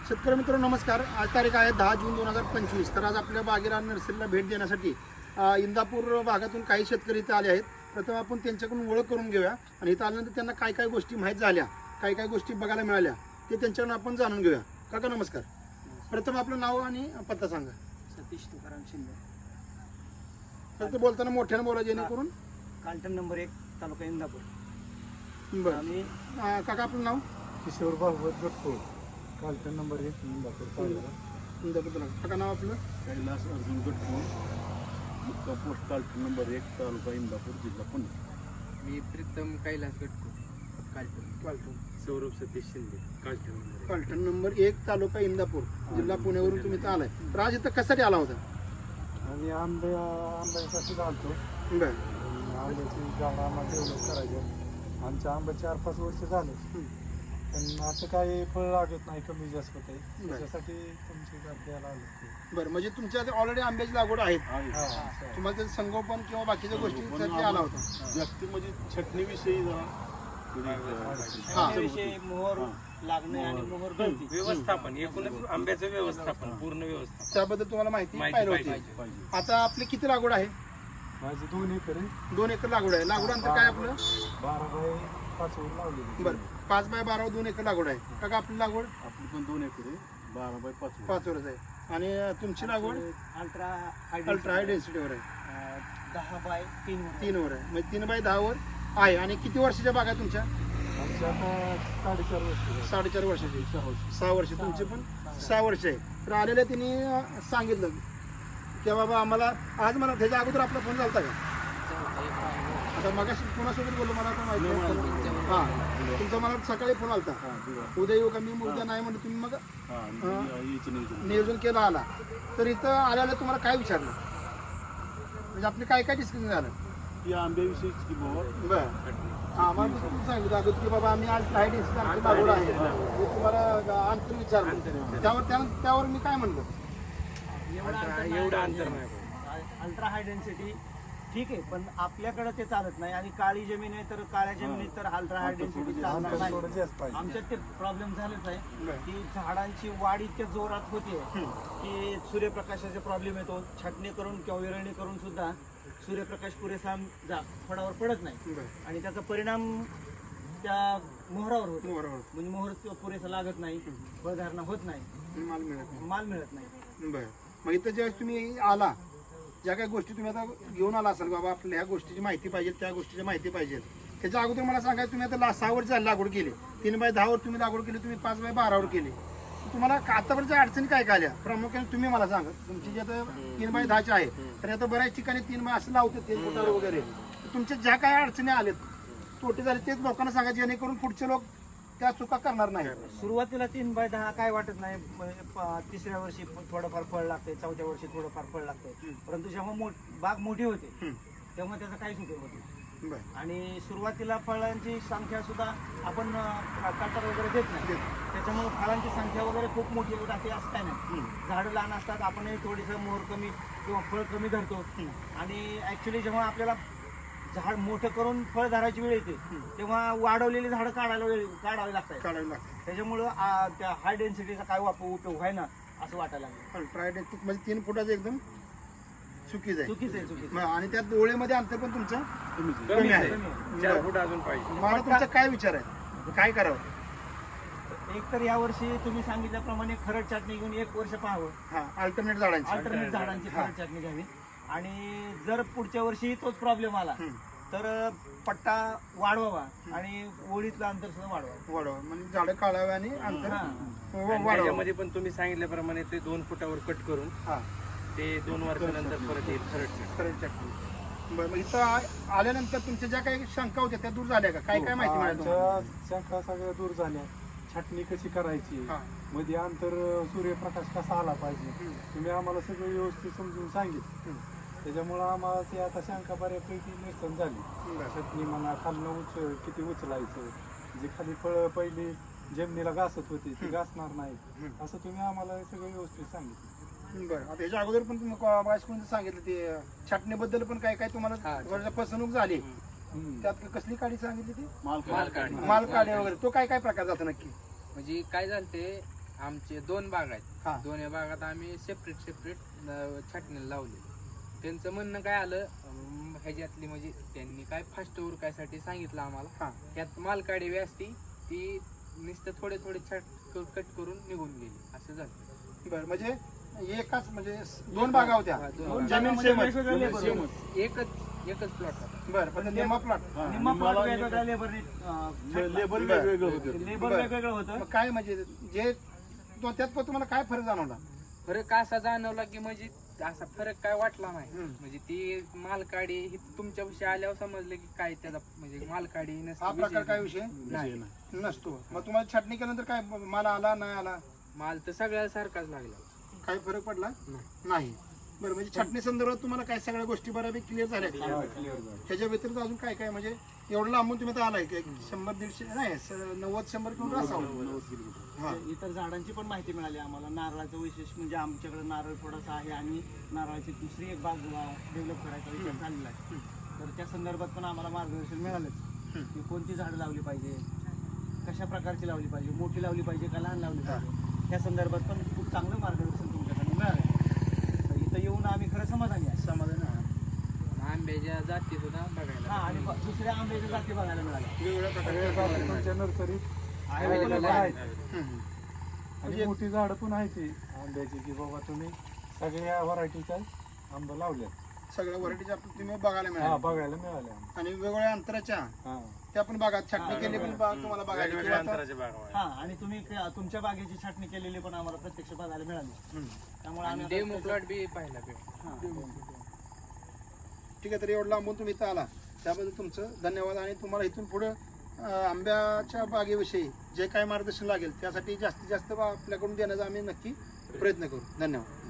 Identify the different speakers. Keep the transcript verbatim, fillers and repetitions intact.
Speaker 1: शेतकरी मित्रांनो नमस्कार. आज तारीख आहे दहा जून दोन हजार पंचवीस. तर आज आपल्या बागेला नर्सरीला भेट देण्यासाठी इंदापूर भागातून काही शेतकरी इथे आले आहेत. प्रथम आपण त्यांच्याकडून ओळख करून घेऊया आणि इथं आल्यानंतर त्यांना काय काय गोष्टी माहीत झाल्या, काय काय गोष्टी बघायला मिळाल्या ते त्यांच्याकडून आपण जाणून घेऊया. काका नमस्कार. प्रथम आपलं नाव आणि पत्ता सांगा.
Speaker 2: सतीश तुकाराम शिंदे.
Speaker 1: फक्त बोलताना मोठ्यानं बोला जेणेकरून.
Speaker 2: कालटन नंबर एक, तालुका इंदापूर.
Speaker 1: बरं.
Speaker 2: आम्ही
Speaker 1: अं, काका आपलं नाव.
Speaker 3: किशोर भागवत गटकोळ, कालटन नंबर एक, इंदापूर.
Speaker 1: इंदापूर. काका नाव आपलं.
Speaker 4: कैलास अर्जुन गटकोळ, मुक्का पोस्ट कालटन नंबर एक, तालुका इंदापूर, जिल्हा पुणे.
Speaker 5: मी प्रीतम कैलास गटको, कालटन.
Speaker 1: कालटन.
Speaker 5: सौरभ सतीश शिंदे, कालटन नंबर
Speaker 1: कालटन नंबर एक, तालुका इंदापूर, जिल्हा पुण्यावरून तुम्ही इथं आलाय. तर आज इथं कशासाठी आला होता?
Speaker 3: आणि आंबे आंब्यासाठी घालतो.
Speaker 1: बरं.
Speaker 3: आंब्याची झाडं आम्हाला डेव्हलप करायचं. आमच्या आंबे चार पाच वर्ष झाले, पण असं काही फळ लागत नाही, कमी जास्त होत आहे. त्याच्यासाठी तुमची द्यायला आलो.
Speaker 1: बरं, म्हणजे तुमच्या ऑलरेडी आंब्याची लागवड आहे.
Speaker 4: आहे.
Speaker 1: तुम्हाला त्याचं संगोपन किंवा बाकीच्या गोष्टींसाठी आला होता.
Speaker 4: जास्त म्हणजे छटणीविषयी जरा थोडी,
Speaker 1: हा.
Speaker 2: त्याविषयी मोहर लागणे आणि मोहर गळती.
Speaker 5: व्यवस्थापन, एकूणच आंब्याचं व्यवस्थापन, पूर्ण व्यवस्थापन
Speaker 1: त्याबद्दल तुम्हाला माहिती
Speaker 5: माहिती
Speaker 1: पाहिजे
Speaker 5: पाहिजे.
Speaker 1: होती.
Speaker 4: पाहिजे.
Speaker 1: आता आपली किती लागवड आहे?
Speaker 3: माझी दोन एकर आहे.
Speaker 1: दोन एकर लागवड आहे. लागवड अंतर काय आपलं?
Speaker 3: बारा बाय पाच वर लावलेली.
Speaker 1: बरं, पाच बाय बारा दोन एकर लागवड आहे. काका आपली लागवड
Speaker 4: आपली पण दोन एकर आहे, बारा बाय पाच.
Speaker 1: पाच वरच आहे. आणि तुमची लागवड
Speaker 2: अल्ट्रा
Speaker 1: अल्ट्रा हाय डेन्सिटीवर आहे,
Speaker 2: अं, दहा बाय तीन वर.
Speaker 1: तीन वर आहे. म्हणजे तीन बाय दहा वर आहे. आणि किती वर्षाच्या बाग आहे तुमच्या?
Speaker 3: आमच्या आता साडेचार वर्ष.
Speaker 1: साडेचार वर्षाची. सहा वर्ष. तुमची पण सहा वर्ष आहे. तर आलेल्या त्यांनी अं, सांगितलं की बाबा आम्हाला आज मला त्याच्या अगोदर आपला फोन झाला का? आता मग कोणासोबत बोललो मला पण माहिती नाही. हां, तुमचा मला सकाळी फोन आलता,
Speaker 4: हा, दिवा.
Speaker 1: उद्या येऊ का? मी उद्या नाही म्हणलं. तुम्ही मग
Speaker 4: हा, आणि यायचं नियोजन.
Speaker 1: नियोजन केलं आला. तर इथं आल्याला तुम्हाला काय विचारलं, म्हणजे आपले काय काय डिस्कशन झालं?
Speaker 4: ही आंब्याविषयीच की बाबा
Speaker 1: बरं. हां, मग मी तुम्ही सांगितलं अगोदर की बाबा आम्ही आज काही डिस्कशन आमची लागवड आहे. मी तुम्हाला अंतर विचारलं. त्यावर त्यानं त्यावर मी काय म्हणलं?
Speaker 2: एवढं अंतर नाही.
Speaker 5: एवढं अंतर नाही.
Speaker 2: अल्ट्रा हाय डेन्सिटी ठीक आहे, पण आपल्याकडे ते चालत नाही. आणि काळी जमीन आहे तर काळ्या जमिनीत तर अल्ट्रा हाय डेन्सिटी चालणार
Speaker 3: अंतर थोडं
Speaker 2: नाही.
Speaker 3: जास्त पाहिजे.
Speaker 2: आमच्यात ते प्रॉब्लेम झालेच आहे
Speaker 1: बरं.
Speaker 2: की झाडांची वाढ इतक्या जोरात होते की सूर्यप्रकाशाचा प्रॉब्लेम येतो. छाटणी करून किंवा विरळणी करून सुद्धा सूर्यप्रकाश पुरेसा जा फळावर पडत नाही
Speaker 1: बरं.
Speaker 2: आणि त्याचा परिणाम त्या मोहरावर होतो.
Speaker 1: बरोबर.
Speaker 2: म्हणजे मोहर पुरेसा लागत नाही, फळधारणा होत नाही,
Speaker 1: माल मिळत नाही.
Speaker 2: माल मिळत नाही.
Speaker 1: बरं. मग इथं ज्यावेळेस तुम्ही आला, ज्या काही गोष्टी तुम्ही आता घेऊन आला असाल, बाबा आपल्या ह्या गोष्टीची माहिती पाहिजे, त्या गोष्टीची माहिती पाहिजे, त्याच्या अगोदर मला सांगायचं तुम्ही आता ला सहा वर्ष झाली लागवड केली, तीन बाय दहावर तुम्ही लागवड केली, तुम्ही पाच बाय बारावर केली. तुम्हाला आतापर्यंत अडचणी काय काय आल्या प्रामुख्याने तुम्ही मला सांगा. तुमची जे आता तीन बाय दहाची आहे, तर आता बऱ्याच ठिकाणी तीन बाय असं लावतात ते मोटार वगैरे. तुमच्या ज्या काही अडचणी आल्यात, तोटे झाले, तेच लोकांना सांगा जेणेकरून पुढचे लोक त्या चुका करणार नाही.
Speaker 2: सुरुवातीला तीन बाय दहा काय वाटत नाही. म्हणजे प- तिसऱ्या वर्षी थोडंफार फळ लागते, चौथ्या वर्षी थोडंफार फळ लागते. परंतु जेव्हा मो बाग मोठी होते तेव्हा त्याचा काहीच उपयोग होत नाही.
Speaker 1: बरं.
Speaker 2: आणि सुरुवातीला फळांची संख्या सुद्धा आपण कटर वगैरे देत नाही, त्याच्यामुळे फळांची संख्या वगैरे खूप मोठी राहते असं काय नाही. झाडं लहान असतात, आपणही थोडीसं मोहर कमी किंवा फळ कमी धरतो. आणि ॲक्च्युली जेव्हा आपल्याला झाड मोठं करून फळ धरायची वेळ येते तेव्हा वाढवलेली झाडं काढायला वेळ काढावी लागतात.
Speaker 1: काढावी लागते.
Speaker 2: त्याच्यामुळं आ, त्या हाय डेन्सिटीचा काय वापर उपयोग आहे ना असं वाटायला लागलं.
Speaker 1: अल्ट्रा म्हणजे तीन फुटाचं एकदम चुकीचं आहे.
Speaker 2: चुकीचं आहे, चुकीचं
Speaker 1: मग आणि त्यात डोळेमध्ये अंतर पण तुमचं
Speaker 4: कमीच आहे.
Speaker 1: कमी आहे.
Speaker 2: आहे.
Speaker 5: चार फूट अजून पाहिजे.
Speaker 1: मला तुमचा काय विचार आहे, काय करावं?
Speaker 2: एक तर या वर्षी तुम्ही सांगितल्याप्रमाणे खरड छाटणी घेऊन एक वर्ष पाहावं.
Speaker 1: हा, अल्टरनेट झाडांची.
Speaker 2: अल्टरनेट झाडांची खरड छाटणी घ्यावी. आणि जर पुढच्या वर्षी तोच प्रॉब्लेम आला तर पट्टा वाढवावा आणि ओळीतलं अंतर सुद्धा वाढवावं.
Speaker 1: वाढवा म्हणजे झाडं काढावे आणि अंतर
Speaker 2: हा.
Speaker 5: आणि
Speaker 1: वाढवा.
Speaker 5: त्याच्यामध्ये पण तुम्ही सांगितल्याप्रमाणे ते दोन फुटावर कट करून
Speaker 1: हा,
Speaker 5: ते दोन वर्षानंतर परत येईल खरड.
Speaker 1: खरंच चटणी. बरं, मग इथं आ- आल्यानंतर तुमच्या ज्या काही शंका होत्या त्या दूर झाल्या का? काय काय माहिती मिळाली तुम्हाला?
Speaker 3: आमच्या शंका सगळ्या दूर झाल्या. छाटणी कशी करायची,
Speaker 1: हा.
Speaker 3: मध्ये अंतर सूर्यप्रकाश कसा आला पाहिजे, तुम्ही आम्हाला सगळं व्यवस्थित समजून सांगितलं. त्याच्यामुळं आम्हाला ते आता शंका बऱ्यापैकी निरसन झाली.
Speaker 1: बरं.
Speaker 3: छटणी म्हणा, खालनं उच किती उचलायचं, जे खाली फळं पहिली जमिनीला घासत होती ती घासणार नाही, असं तुम्ही आम्हाला सगळं व्यवस्थित सांगितलं.
Speaker 1: बरं. आता याच्या अगोदर पण तुम्ही कोणी सांगितलं ते छाटणीबद्दल पण काय काय तुम्हाला थोडंसं फसवणूक झाली,
Speaker 3: हम्म.
Speaker 1: त्यात कसली काडी सांगितली ती?
Speaker 4: माल
Speaker 5: माल काढणी.
Speaker 1: माल काढे वगैरे. तो काय काय प्रकार जातो नक्की?
Speaker 5: म्हणजे काय झालं ते आमचे दोन बाग
Speaker 1: हा.
Speaker 5: आहेत दोन्ही बागात आम्ही सेपरेट सेपरेट छाटणीला लावले. त्यांचं म्हणणं काय आलं अं, ह्याच्यातली म्हणजे त्यांनी काय फास्ट उरकायसाठी सांगितलं आम्हाला.
Speaker 1: हा.
Speaker 5: त्यात मालकाडी बी असती ती नुसतं थोडे थोडे छाट कट करून निघून गेली असं झालं.
Speaker 1: बरं म्हणजे एकाच म्हणजे दोन बागा होत्या
Speaker 5: हा, दोन
Speaker 2: दोन
Speaker 1: जमीन
Speaker 2: जागांमध्ये
Speaker 1: सेमच.
Speaker 2: वेगवेगळे labor होते.
Speaker 4: सेमच.
Speaker 5: एकच एकच प्लॉट होता.
Speaker 1: बरं पण निम्मा प्लॉट
Speaker 4: हा,
Speaker 2: निम्मा
Speaker 4: निम्माला
Speaker 2: प्लॉट वेगवेगळ्या लेबरने
Speaker 4: लेबर
Speaker 1: बरं.
Speaker 4: वेगवेगळं होतं.
Speaker 2: लेबर
Speaker 1: बरं.
Speaker 2: वेगवेगळं होतं.
Speaker 1: मग काय म्हणजे जे तो त्यात पण तुम्हाला काय फरक जाणवला?
Speaker 5: फरक असा जाणवला की म्हणजे असा फरक काय वाटला नाही.
Speaker 1: हम्म.
Speaker 5: म्हणजे ती मालकाडी ही तुमच्याविषयी आल्यावर समजलं की काय त्याचा म्हणजे मालकाडी नसते,
Speaker 1: हा प्रकार
Speaker 5: विशेष
Speaker 1: काय विषय
Speaker 5: नाही.
Speaker 4: विषय नाही.
Speaker 1: नसतो. मग तुम्हाला छाटणी केल्यानंतर काय माल आला नाही आला
Speaker 5: माल तर सगळ्या सारखाच लागला.
Speaker 1: काही फरक पडला
Speaker 5: नाही.
Speaker 1: नाही. बरं म्हणजे छाटणी संदर्भात तुम्हाला काय सगळ्या गोष्टी बऱ्यापैकी क्लिअर झाल्या
Speaker 4: हा, clear झालं.
Speaker 1: त्याच्या व्यतिरिक्त अजून काय काय म्हणजे एवढं लांबून तुम्ही आता आलाय की शंभर दीडशे नाही स- नव्वद शंभर किलोमीटर असावं.
Speaker 4: नव्वद किलोमीटर.
Speaker 1: हा.
Speaker 2: इतर झाडांची पण माहिती मिळाली आम्हाला. नारळाचं वैशिष्ट्य म्हणजे आमच्याकडे नारळ थोडासा आहे आणि नारळाची दुसरी एक बाग डेव्हलप करायचा विचार चाललेला आहे. तर त्या संदर्भात पण आम्हाला मार्गदर्शन मिळालंच की कोणती झाडं लावली पाहिजे, कशा प्रकारची लावली पाहिजे, मोठी लावली पाहिजे का लहान लावली पाहिजे, या संदर्भात पण खूप चांगलं मार्गदर्शन तुमच्याकडून मिळालं. तर इथं येऊन आम्ही खरं समाधानी आहे.
Speaker 1: समाधान आहे.
Speaker 5: आंब्याच्या जाती सुद्धा बघायला
Speaker 2: हा आणि ब- दुसऱ्या आंब्याच्या जाती बघायला मिळाल्या.
Speaker 1: वेगवेगळ्या
Speaker 3: सगळे
Speaker 1: प्रकारचे
Speaker 3: जाती तुमच्या नर्सरीत
Speaker 2: Available
Speaker 3: available
Speaker 2: आहे.
Speaker 3: आहेत.
Speaker 1: हम्म.
Speaker 3: आणि मोठी झाडं पण आहेत ती आंब्याची की बाबा तुम्ही सगळ्या व्हरायटीच्या आंबा लावल्या.
Speaker 1: सगळ्या व्हरायटीच्या आपल्याला तुम्ही बघायला
Speaker 3: हा
Speaker 1: मिळाल्या
Speaker 3: बघायला मिळाल्या आम्हाला.
Speaker 1: आणि वेगवेगळ्या अंतराच्या
Speaker 3: हा
Speaker 1: त्या पण बागात छाटणी केली पण बाग तुम्हाला बघायला किंवा आता-
Speaker 2: हा आणि तुम्ही क- तुमच्या बागेची छाटणी केलेली पण आम्हाला प्रत्यक्ष बघायला मिळाली.
Speaker 1: हम्म.
Speaker 2: त्यामुळे
Speaker 5: आणि
Speaker 2: आम्ही
Speaker 5: डेमो
Speaker 2: आता
Speaker 5: प्लॉट बी पाहायला भेट.
Speaker 2: हा.
Speaker 1: ठीक आहे. तर एवढं लांबून तुम्ही इथं आला त्याबद्दल तुमचं धन्यवाद. आणि तुम्हाला इथून पुढे आंब्याच्या बागेविषयी जे काय मार्गदर्शन लागेल त्यासाठी जास्तीत जास्त आपल्याकडून देण्याचा आम्ही नक्की प्रयत्न करू. धन्यवाद.